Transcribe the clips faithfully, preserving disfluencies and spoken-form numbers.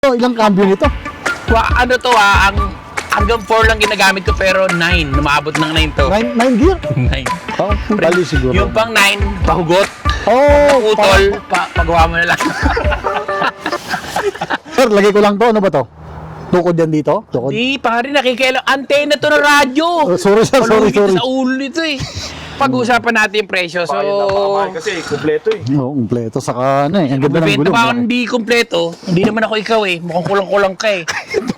Oh, ilang cambio nito? Wa, ano to ah, ang hanggang four lang ginagamit ko pero nine, Lumabot ng nine to. nine gear? nine. Oh, bali siguro. Yung pang nine, pahugot. Oh, Utol, pa, pagawa mo na lang. Sir, lagay ko lang to. Ano ba to? Tukod yan dito? Tukod? Di, pare, nakikialam. Antena to ng radyo. Oh, sorry, sir. Sorry, Palugit sorry. sa ulo nito eh. Pag-usapan natin yung presyo. So, kasi kumpleto eh. Oo, kumpleto. Saka ano eh. Ang ganda ng mabenta gulong. pa ako hindi kompleto. Hindi naman ako ikaw eh. Mukhang kulang-kulang ka eh.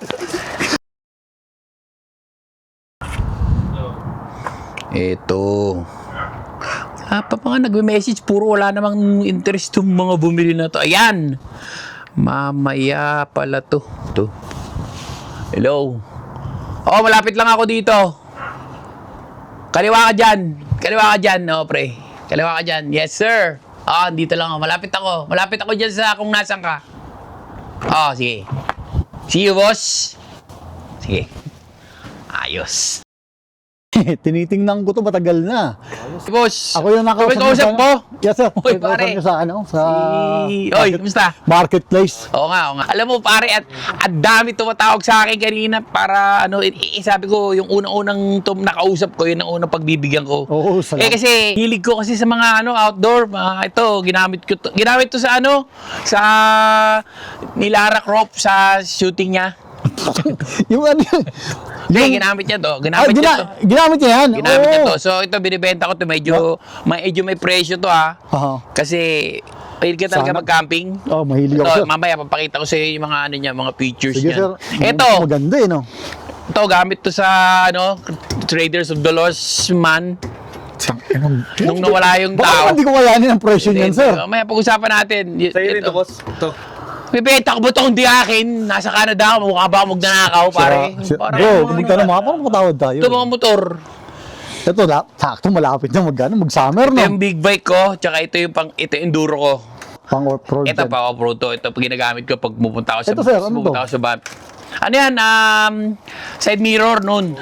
Ito. Wala pa pa nga nagme-message. Puro wala namang interest yung mga bumili na to. Ayan. Mamaya pala to. To. Hello. Oh, malapit lang ako dito. Kaliwa ka dyan. Kaliwa ka dyan, no, pre. Kaliwa ka dyan. Yes, sir. Ah, dito lang ako. Malapit ako. Malapit ako dyan sa kung nasan ka. Oh, sige. See you, boss. Sige. Ayos. Tinitingnan ko to matagal na. Boss. Ako yung nakausap Ikaw kausap niyo mo? sa- Yes, sir. Uy, Nakausap pare. niyo sa ano? Sa Si... Oy, kumusta? marketplace. Oo nga, oo nga. Alam mo pare, at, at dami tumatawag sa akin kanina para ano, i- i- sabi ko, yung unang-unang tum nakausap ko, yun ang unang pagbibigyan ko. Oo, salamat. Eh kasi, hilig ko kasi sa mga ano, outdoor, mga ito, ginamit ko to, ginamit to sa ano, sa ni Lara Croft sa shooting niya. yung ano yun? Hindi, ginamit niya to, Ah, ginamit niya gina, to. ginamit niya yan? Ginamit niya Oo. to. So ito, binibenta ko to, medyo, medyo may presyo to ha. Aha. Kasi, mahilig ka talaga Sana. mag-camping. Oh, mahilig ako, Ito, sir. mamaya papakita ko sa iyo yung mga ano niya, mga features Sige, niya. sir. Ito, Maganda eh, no? ito gamit to sa ano, Traders of the Lost Man. Nung nawala yung Baka tao. naman di ko kayanin ang presyo niyan, sir. Mamaya pag-usapan natin. Y- Sa'yo rin ito. to, boss. Ito. Bibenta ko ba ito kung di akin? Nasa Canada ako, mukha ba ako magnanakaw, pare? Sira- Parang Bro, ano, tumigtan na mga, parang makatawad tayo. ito mga motor. Ito, la- sakto, malapit na mag, ano, mag-summer, Ito no? yung big bike ko, tsaka ito yung pang, ito yung enduro ko. Pang off-road. Ito yan. pa off-road to. Ito pag ginagamit ko pag pupunta ako sa Ito, sir, ano pupunta to? ako sa van. Ano yan? Um, side mirror nun.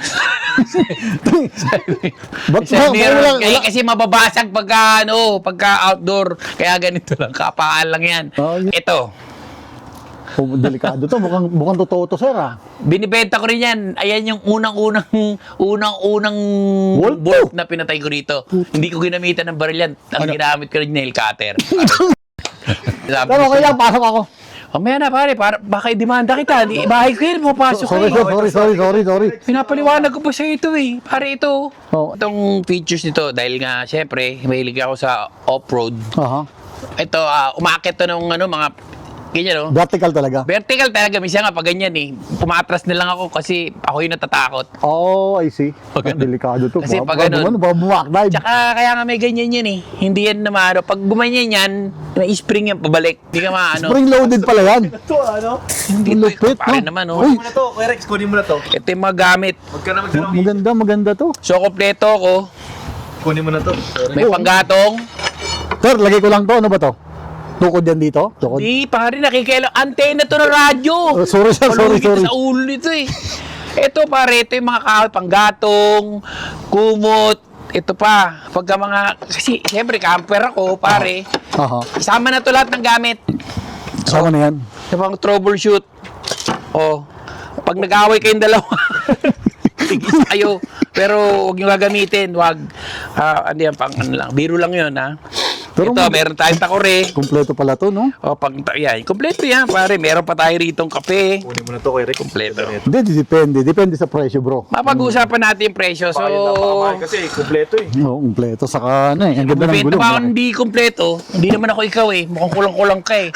Ba't Side ba- mirror. wala- Kaya, wala- kasi mababasag pagka, ano, pagka outdoor. Kaya ganito lang. Kapaan lang yan. Oh, yun. Ito. Oh, delikado to. Mukhang, mukhang totoo to, sir, ah. Binibenta ko rin yan. Ayan yung unang-unang unang-unang Bolt bolt to. na pinatay ko rito. Hindi ko ginamitan ng baril yan. Ang Ano? ginamit ko rin nail cutter. Sabi Pero ko okay sa'yo, lang, pasok ako. mamaya na pare, para, baka i-demanda kita. Di, bahay ko yan, mapasok Sorry, ka sir, eh. sorry, sorry, sorry, sorry. Pinapaliwanag ko pa sa ito eh. Pare ito. Oh. Itong features nito, dahil nga, syempre, mahilig ako sa off-road. Aha. Ito, uh, umakit to ng ano, mga, ganyan no? Vertical talaga. Vertical talaga, minsan nga pag ganyan eh. Pumatras na lang ako kasi ako yung natatakot. Oh, I see. Pag Ah, delikado to. Kasi Baka- pag baka ganun- ano, baka bumakdive. Tsaka kaya nga may ganyan yan eh. Hindi yan naman, ano, pag gumanyan yan, may spring yan pabalik. Hindi ka maano. Spring loaded pala yan. Ito, ano? Hindi Ang to, lupit, pare no? naman oh. Uy. Kunin mo na to. Kuya Rex, kunin mo na to. Ito yung mga gamit. Huwag ka na magdala. Maganda, maganda to. So, kompleto ko. Kunin mo na to. Sorry. May panggatong. Sir, lagay ko lang to. Ano ba to? Tukod yan dito? Tukod? Di, pare, nakikialam. Antena to ng radyo. Oh, sorry, sir. Sorry, Palugit sorry. sa ulo nito eh. Ito pare, ito yung mga kahoy, panggatong, kumot, ito pa. Pagka mga, kasi siyempre camper ako, pare. Aha. Isama na to lahat ng gamit. Sama na yan. Yung pang troubleshoot. Oh, pag nag-away kayong dalawa, tigis kayo. Pero huwag nyo gagamitin, wag. Ah, ano yan, pang ano lang, biro lang yun ha. Pero ito, mag- meron tayong takore. Kompleto pala to, no? O, pang, yan, kompleto yan, pare. Meron pa tayo ritong kape. Kunin mo na to, Kuya Rex. Kompleto. Hindi, depende. Depende sa presyo, bro. Mapag-uusapan natin yung presyo. So, Kasi kumpleto eh. Oo, kompleto. Saka ano eh. Ang ganda ng bibenta gulong. pa ako hindi kompleto. Hindi naman ako ikaw eh. Mukhang kulang-kulang ka eh.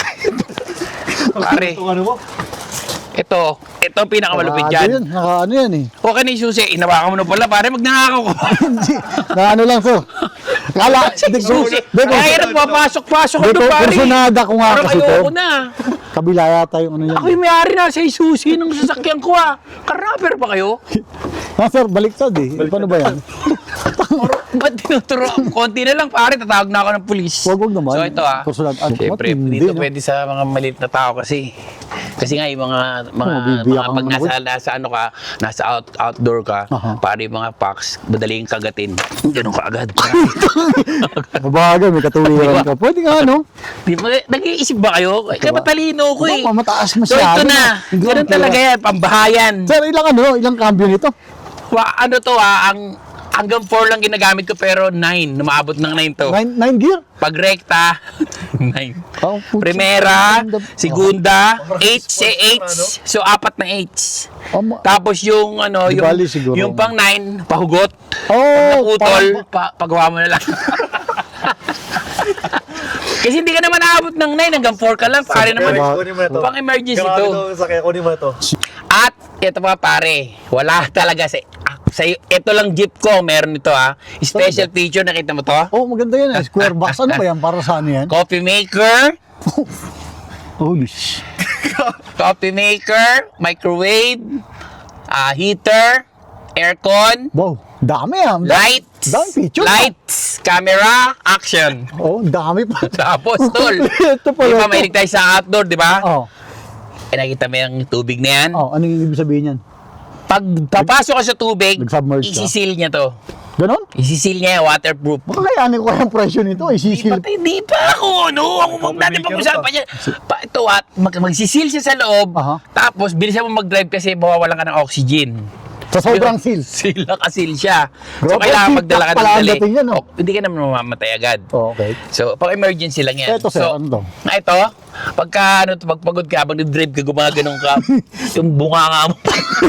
Pare, Itong ano mo? ito. Ito ang pinakamalupit Nakano yan. dyan. Nakano yan eh. Okay na yung susi. Inawakan mo na pala. Pare, magnanakaw ko. Hindi. Na ano lang, sir. Kala, hindi ko. Susi. Hindi ko. Kaya na papasok-pasok ko Hindi ko. doon, pare. Personada ko nga Parang kasi to. ayoko na. Kabila yata yung ano yan. Ako yung may-ari na sa susi ng sasakyan ko ah. Karapper pa kayo? Ah, sir, baliktad eh. Paano ba yan? Ba't tinuturo? Konti na lang, pare. Tatawag na ako ng pulis. Wag, wag naman. So, ito ah. Personal. Ano, Siyempre, matindi, dito no? pwede sa mga maliit na tao kasi. Kasi nga, yung mga, mga, Oh, bibiyak mga ang pag nasa, manakot. nasa ano ka, nasa out, outdoor ka, Aha. pare yung mga packs, madaling kagatin. Ganun ka agad. Mabagal, may katuwiran ka. Pwede nga, no? Di ba, nag-iisip ba kayo? Kaya matalino ko eh. Baka mataas So, masyado. ito na. Hindi Ganun ko talaga yan, pambahayan. Sir, ilang ano, ilang cambio nito? Wa, ano to ah, ang hanggang four lang ginagamit ko pero nine, Numaabot ng nine to. Nine, nine gear? Pag rekta, nine. Oh, putya. Primera, Ganda. segunda, eight sa eight. So, apat na eights. Oh, ma- Tapos yung ano, Di yung, bali siguro. yung pang nine, pahugot. oh, Utol, pa, pagawa mo na lang. Kasi hindi ka naman naabot ng nine, hanggang four ka lang. Pare naman, Rex, kunin mo na to. pang emergency Grabe to. to, sakya, kunin mo na to. At ito pa pare, wala talaga sa, sa ito lang jeep ko, meron ito ha. Special feature, nakita mo to? oh, maganda yan. eh. Square box. Ano ba yan? Para sa ano yan? Coffee maker, Holy sh... coffee maker, microwave, ah, heater, aircon, Wow, dami ah. Dami- lights, Dami feature. lights, camera, action. Oh, dami pa. Tapos, tol, Ito pala di ba ito. mahilig tayo sa outdoor, di ba? Oh, Eh, nakita mo yung tubig na yan? oh, ano yung ibig sabihin yan? Pag papasok ka sa tubig, Nag-submerge ka? isisil niya to. Ganon? Isisil niya, waterproof. Baka kayanin ko yung presyo nito. Di Isisil. pa, di pa ako, no? Ako huwag natin pag-usapan yan. Pa, ito at, mag, magsisil siya sa loob, Aha. tapos bilisan mo mag-drive kasi mawawalan ka ng oxygen. Sa sobrang seal. Sila kasil siya. So, Grabe, kailangan seal magdala ka pack ng pala ang dali. dating yan, no? O, hindi ka naman mamamatay agad. Oh, okay. So, pang emergency lang yan. Eto, sir, so, ano to? Ah, ito, pagka, ano, to, pagpagod ka, habang nag-drive ka, gumaganong ka, yung bunga nga mo.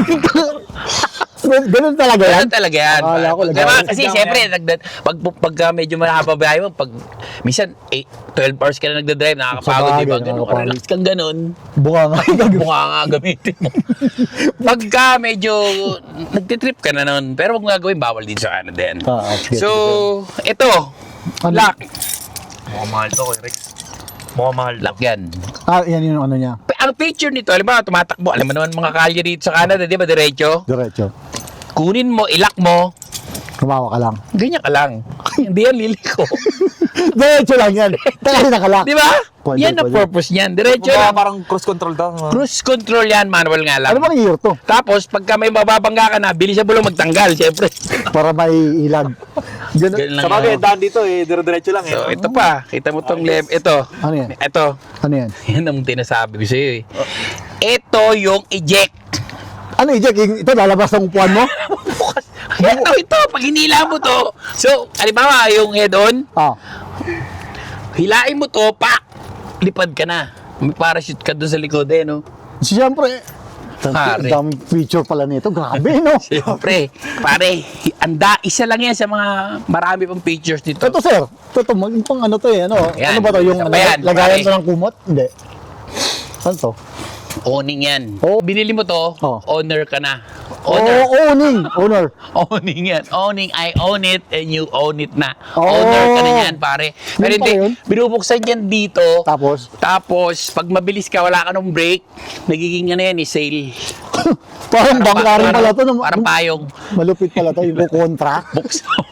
Ganon talaga yan? Ganun talaga yan. Akala ko, Pag- lagay- diba, kasi siyempre, nagda- pag, pag uh, medyo mahaba biyahe mo, pag minsan eight, twelve hours ka na nagda-drive, nakakapagod, Sabagay, di ba? Ganun, nakakapagod. relax kang ganun. Bunga nga. Bunga nga gamitin mo. Pagka medyo nagtitrip ka na nun, pero wag mo gagawin, bawal din sa Canada yan. Ah, okay. So, ito, Ano? lock. Mukhang mahal to, Kuya Rex. Mukhang mahal to. Lock yan. Ah, yan yung ano niya. Pe- Ang picture nito, alam mo, tumatakbo. Alam mo naman mga kalye dito sa Canada, di ba, diretso? Diretso. Kunin mo, ilak mo, Kumawa ka lang. ganyan ka lang. Hindi yan liliko. Diretso lang yan. Kasi nakalak. Di ba? Pwede, Yan ang pwede. purpose niyan. Diretso Kumbaga, lang. parang cruise control daw. mga- Cruise control yan, manual nga lang. Ano bang year to? Tapos, pagka may mababangga ka na, bilis sa bulong magtanggal, syempre. Para may ilag. Ganon. Ganun lang Sa bagay, yan. daan dito eh, dire-diretso lang eh. So, ito pa. Kita mo tong lem. Ito. Ano yan? Ito. Ano yan? Yan ang tinasabi ko sa'yo eh. Ito yung eject. Ano i-check? Ito lalabas ng upuan mo? Ito, ito. Pag hinila mo to. So, halimbawa, yung head-on, Ah. hilain mo to, pak! Lipad ka na. May parachute ka doon sa likod eh, no? Siyempre, Pare. ang daming feature pala nito. Grabe, no? Siyempre, pare, anda, isa lang yan sa mga marami pang features dito. Ito, sir. Ito, ito. Mag, pang ano to eh. Ano, Yan. ano ba to? Yung Ano ba yan, lagayan pare? to ng kumot? Hindi. Ano to? Owning yan. Oh. Binili mo to, Oh. owner ka na. Oh, Owner. owning. Owner. Owning yan. Owning, I own it and you own it na. Oh. Owner ka na yan, pare. Pero Yun hindi, pala yun? binubuksan yan dito. Tapos, Tapos, pag mabilis ka, wala ka ng brake, nagiging ano yan, eh, sale. parang bangka rin pala to. no? Parang payong. Malupit pala to. Yung contract. Buksan mo.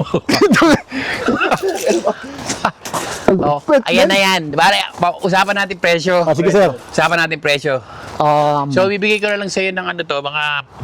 Oh, ayan na yan. Pare, pa- usapan natin presyo. Ah, sige, sir. Usapan natin presyo. Um, So, bibigay ko na lang sa'yo ng ano to, mga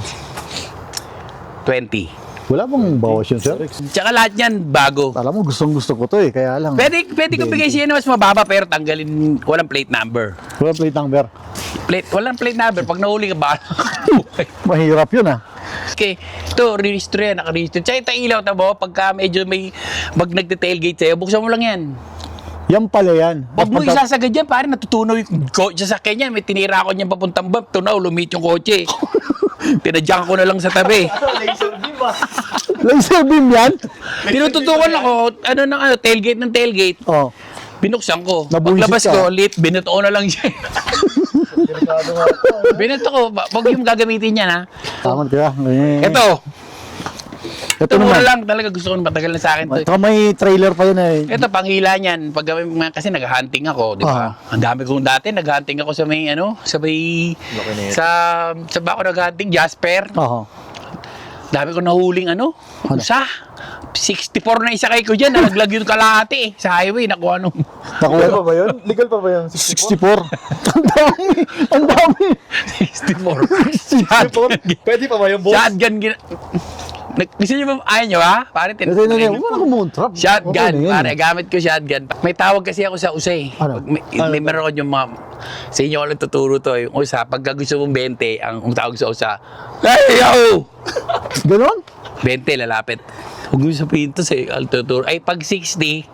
twenty. wala bang bawas yun, sir? Tsaka lahat yan, bago. Alam mo, gustong gusto ko to eh. Kaya lang. Pwede, pwede ko bigay sa'yo na mas mababa pero tanggalin, walang plate number. Wala plate number. Plate, walang plate number. Pag nahuli ka ba? Mahirap yun ah. Okay, ito, re-register yan, naka-register. Tsaka ito ilaw, tabo, pagka medyo may, pag nagde-tailgate sa'yo, buksan mo lang yan. Yan pala yan. Huwag mo Pagka- isasagad yan, pare, natutunaw yung kotse sa kanya. May tinira ko niyan papuntang bump, tunaw, lumit yung kotse. Pinadyak ko na lang sa tabi. Laser beam ah. Laser beam yan? Tinututukan ako, ano ng ano, tailgate ng tailgate. Oh. Binuksan ko. Nabuisit Paglabas ka. ko, lit, binato ko na lang siya. Binato ko, ba- wag yung gagamitin niya, ha? Tama ka. Eh. Ito, Ito ito muna naman. lang, talaga gusto ko matagal na sa akin to. Ito may trailer pa yun eh. Ito, panghila niyan. Pag kami mga- kasi nag-hunting ako, di ba? Ang dami kong dati, nag-hunting ako sa may, ano, sa may, Laki na yan. sa, sa ba ako nag-hunting? Jasper. Oo. Dami ko nahuling, ano, Ano? sa, sixty-four na isa kay ko dyan, nalaglag yung kalahati eh. Sa highway, nakuha nung Nakuha Legal pa ba yun? Legal pa ba yun? sixty-four. Ang dami. Ang dami. sixty-four. sixty-four? Pwede pa ba yung boss? Shotgun, gina... Nag- Gusto nyo ba, ayaw nyo ha? Pare, tin- Kasi na na, wala akong muntrap. Shotgun, pare, gamit ko shotgun. May tawag kasi ako sa usay. Ano? Pag may, may meron yung mga, sa inyo ko lang tuturo to, yung usa, pagka gusto mong twenty, ang, ang tawag sa usa, hey, yo! Ganon? twenty, lalapit. Huwag mo sabihin to sa al tuturo. Ay, pag sixty,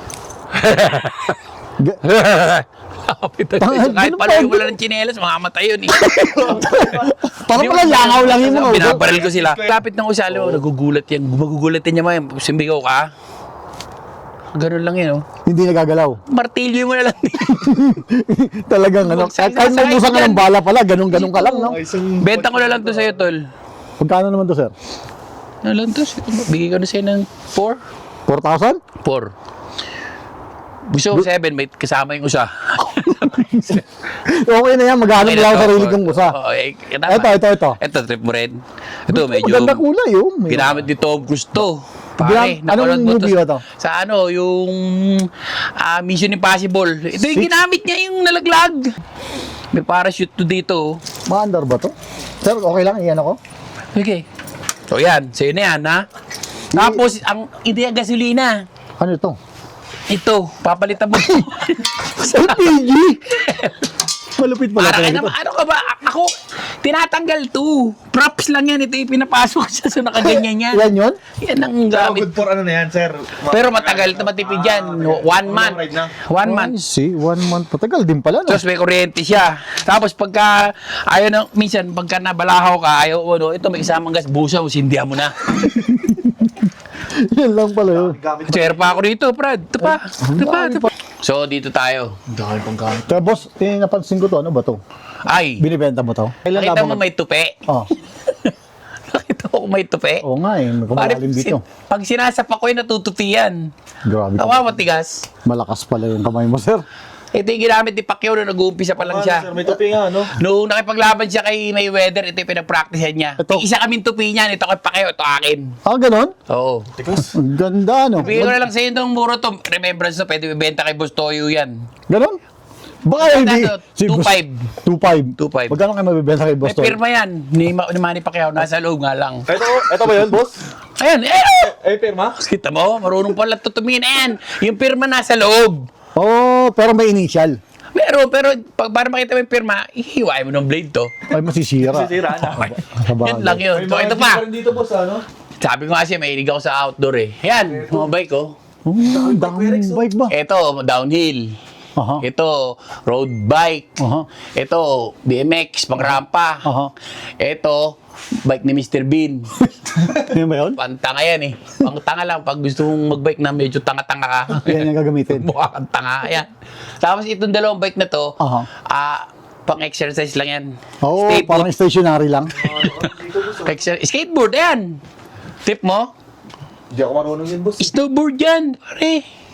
Ga- lapit na Tanga, tayo. Kahit ganun pala ba? yung wala ng tsinelas, makamatay yun eh. Parang pala langaw lang yung mga ulo. Binabaril ko sila. Lapit ng usalo, nagugulat yan. Magugulat yan niya, may simbigaw ka. Ganun lang yun, oh. Hindi nagagalaw. Martilyo mo na lang. Talagang ano. Huwag sa- Kahit sasakay magbusan ka dyan. ng bala pala, ganun-ganun ka lang, no? Benta ko na lang to sa'yo, tol. Pagkano naman to, sir? Ano lang to? Bigay ko na sa'yo ng four. four thousand? four. Gusto ko seven, may kasama yung usa. Okay na yan, maghanap Okay lang na ako to. sarili kong usa. Oo, eh, eh, tama. Ito, ito, ito. Ito, trip mo rin. Ito, medyo... Maganda kulay, oh. May- Ginamit ni Tom Cruise to. Pare, Ginam- anong napanood mo movie ba to? Sa ano, yung ah, Mission Impossible. Ito yung Six? ginamit niya, yung nalaglag. May parachute to dito. Maandar ba to? Sir, okay lang, iyan ako. Okay. So yan, sa'yo na yan, ha? Tapos, ang ideya gasolina. Ano ito? Ito, papalitan mo. L P G! Malupit pala Para talaga ano, ito. ano ka ba? Ako, tinatanggal to. Props lang yan. Ito yung pinapasok sa so nakaganyan yan. Yan yun? Yan ang Pero gamit. good for ano na yan, sir. Pero matagal ito matipid yan. One month. Ride na. One I month. see, one month. Patagal din pala, no? Tapos may kuryente siya. Tapos pagka, ayaw na, minsan, pagka nabalahaw ka, ayaw, ano, ito may isamang gas, busa mo, sindihan mo na. Yan lang pala yun. Gamit pa. Share pa ako dito, Brad. Ito pa. Ito pa, ito pa. So, dito tayo. Dahil pang gamit. Kaya boss, eh, napansin ko to, ano ba to? Ay, Binibenta mo to? Kailan nakita mo labang- may tupi? Oh, Nakita mo may tupi? oo nga eh, may Pare, kumakalim dito. sin- pag sinasapak ko, natutupi yan. Grabe ka. Tawa matigas. Malakas pala yung kamay mo, sir. Ito yung ginamit ni Pacquiao nung nag-uumpisa pa lang Ano, siya. sir, may tupi nga, no? Noong nakipaglaban siya kay Mayweather, ito yung pinag-practicean niya. Ito. Isa kaming tupi niyan, ito kay Pacquiao, ito akin. Ah, ganon? Oo. Tikas. Ang ganda, no? Bigyan ko na lang sa inyo itong muro to. Remembrance to, pwede ibenta kay Boss Toyo yan. Ganon? Baka hindi. Magkano? two five. two five. two five. Magkano kayo mabibenta kay May Boss Toy? pirma yan, ni, Ma- ni Manny Pacquiao, nasa loob nga lang. Ito, ito ba yun, boss? Ayan, eh! Eh, pirma? Kita mo, marunong pala tutumingin. Ayan, yung pirma nasa loob. Oo, oh, pero may initial. Meron, pero pag para makita mo yung pirma, ihiwain mo ng blade to. Ay, masisira. Sisira na. Sa bagay. Yun lang yun. So, ito pa. dito, boss, ano? Sabi ko nga siya, mahilig ako sa outdoor eh. Yan, mga bike ko. Oh, ang daming bike ba? Ito, downhill. Aha. Ito, road bike. Aha. Ito, B M X, pangrampa. Aha. Ito, bike ni Mister Bean. Yan ba yun? Pantanga yan eh. Pangtanga lang pag gusto mong mag-bike na medyo tanga-tanga ka. Yan yung gagamitin. Mukha kang tanga. Yan. Tapos itong dalawang bike na to, Aha. ah, pang-exercise lang yan. Oo, Stay parang put. stationary lang. Exer- skateboard, yan. Tip mo? Hindi ako marunong yun, boss. Snowboard yan, pare.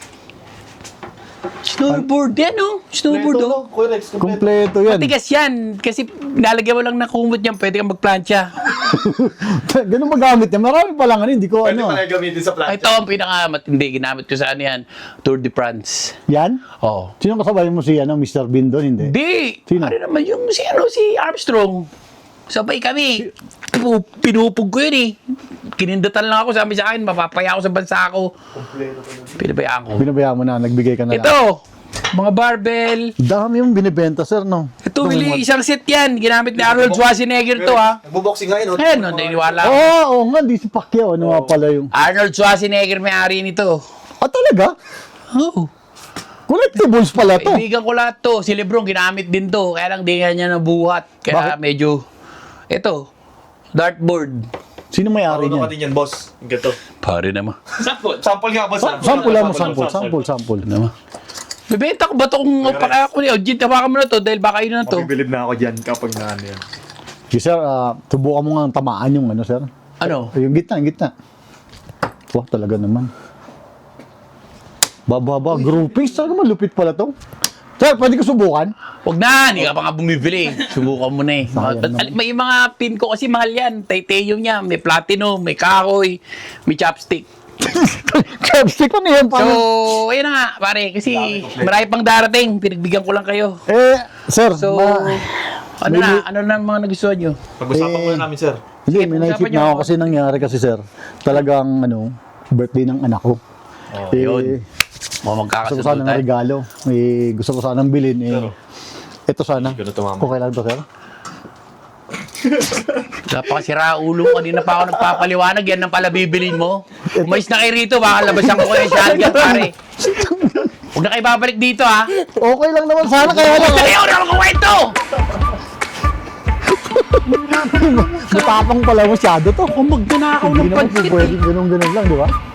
Snowboard yan, oh. Snowboard, oh. Kuya Rex, kompleto. Kompleto yan. Matigas yan. Kasi nalagyan mo lang ng kumot yan, pwede kang magplancha. Ganun magamit yan. Marami pa lang ano, hindi ko Pwede ano. pala gamitin sa plancha. Ito ang pinakamatindi. Ginamit ko sa ano yan. Tour de France. Yan? Oh. Sino kasabay mo si ano, Mister Bean doon? Hindi. Di! Sino? Ano naman yung si, ano, si Armstrong. Sabay kami. Pu- Pinupog ko yun eh. Kinindatan lang ako. Sabi sa akin, mapapaya ako sa bansa ko. Kompleto pa yun. Pinabayaan ko. Binabayaan mo na, nagbigay ka na lang. Ito! Mga barbell. Dami yung binibenta, sir, no? Ito, Willie, isang set yan. Ginamit ni Arnold Schwarzenegger to, ha. Nagbo-boxing nga yun, no? Ayan, no, naniniwala Oo, ako. oh, oo nga, di si Pacquiao. Ano nga pala yung... Arnold Schwarzenegger may-ari nito. Ah, talaga? Oh. Collectibles pala to. Kaibigan ko lahat to. Si Lebron, ginamit din to. Kaya lang di nga niya nabuhat. Kaya Bakit? medyo... Ito, dartboard. Sino may-ari Marunong ka niyan? din yan, boss. Ganito. Pare naman. Sample. Sample nga, boss. Sa- Sample lang mo, sample, sample, sample. Naman. Bibenta ko ba ito kung paka ako ni Eugene? Tawakan mo na to dahil baka yun na to. Mabibilib na ako dyan kapag na ano yan. Okay, sir, ah, subukan mo nga tamaan yung ano, sir. Ano? Ay, yung gitna, yung gitna. Wah, talaga naman. Bababa, groupings. Talaga malupit pala to. Sir, pwede ko subukan? Huwag na, hindi ka pa nga bumibili. Subukan mo na eh. Sayang naman. Al- May mga pin ko kasi mahal yan. Titanium niya, may platinum, may kahoy, may chopstick. Chopstick pa niyan. So, Paano? ayun na nga, pare. Kasi marami pang darating. Pinagbigyan ko lang kayo. Eh, sir, So, ma- ano may- na? Ano na ang mga nagustuhan nyo? Pag-usapan Eh, muna namin, sir. hindi, Sige, may pag-usapan naisip niyo na ako ako. kasi nangyari kasi, sir. Talagang, ano, birthday ng anak ko. Oh, eh, yun. Mga gusto ko magkakasunod sana ng tayo. regalo. Eh, gusto ko sana ng bilhin. Eh, Pero, ito sana. Ganun tumama. Okay lang to, sir? Wala pa kasi raulo. Kanina pa ako nagpapaliwanag. Yan ang pala bibilin mo. Umayos na kayo rito. Baka labasan ko kayo sa shotgun, pare. Huwag na kayo babalik dito, ha? Okay lang naman sana, kaya lang. Huwag kayo na ako kwento! Matapang pala masyado to. Kung magnanakaw Hindi ng naman po pansit, eh. pwedeng ganun-ganun lang, di ba?